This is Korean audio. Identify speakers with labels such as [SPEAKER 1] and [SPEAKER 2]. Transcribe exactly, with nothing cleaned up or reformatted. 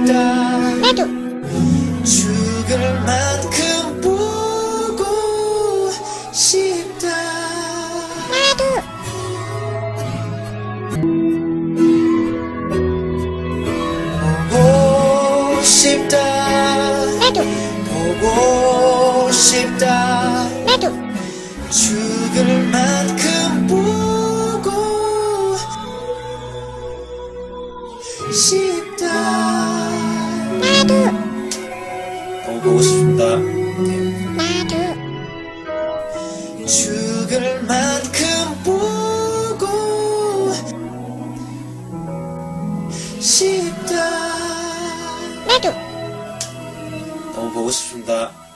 [SPEAKER 1] 싶다.
[SPEAKER 2] 나도.
[SPEAKER 1] 죽을 만큼 보고 싶다.
[SPEAKER 2] 나도.
[SPEAKER 1] 보고 싶다.
[SPEAKER 2] 나도.
[SPEAKER 1] 보고 싶다.
[SPEAKER 2] 나도.
[SPEAKER 1] 죽을 만큼 보고 싶다.
[SPEAKER 2] 나도.
[SPEAKER 1] 너무 보고 싶습니다.
[SPEAKER 2] 나도.
[SPEAKER 1] 죽을 만큼 보고 싶다.
[SPEAKER 2] 나도.
[SPEAKER 1] 너무 보고 싶습니다.